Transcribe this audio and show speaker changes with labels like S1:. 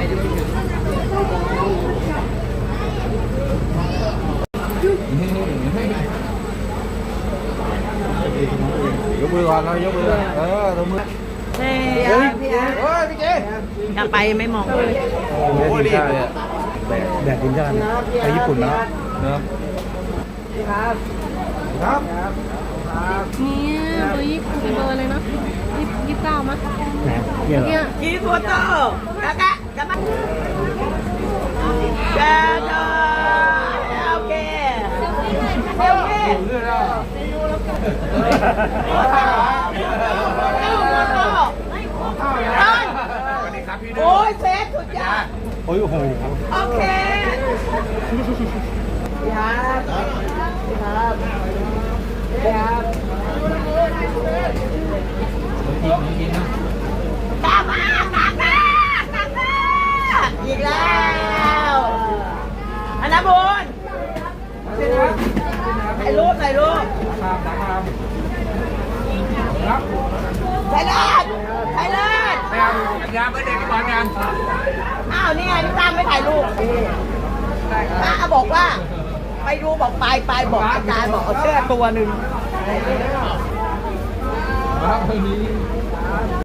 S1: ยกมือก่อนเรายกมือตบมือ
S2: เฮ้ยพี่เจกลับไปไม่มองเลย
S1: โอ้โหดีเลยแดดทีมชาติไปญี่ปุ่นนะเนาะครับ
S3: เนี่ยเบอร์20เบอร์อะไรนะ29มั้ย
S1: เนี่ย
S2: กี่โฟโต้แล้วก็กลับมาแกโอเคเซลฟี่โอ้ยเซฟสุดยอด
S1: โอ้โห
S2: โอเคครับครับครับกินนะกลับมากลับมาอีกแล้วอันนั้นบุญถ่ายรูปถ่ายรูปถ่ายเลิศถ่ายเลิศ
S1: งานไม่ได้กี่วันงาน
S2: อ้าวนี่ไงพี่ตั้มไม่ถ่ายรูปป้าบอกว่าไปดูบอกไปบอกอาจารย์บอกเอาเสื้อตัวหนึ่ง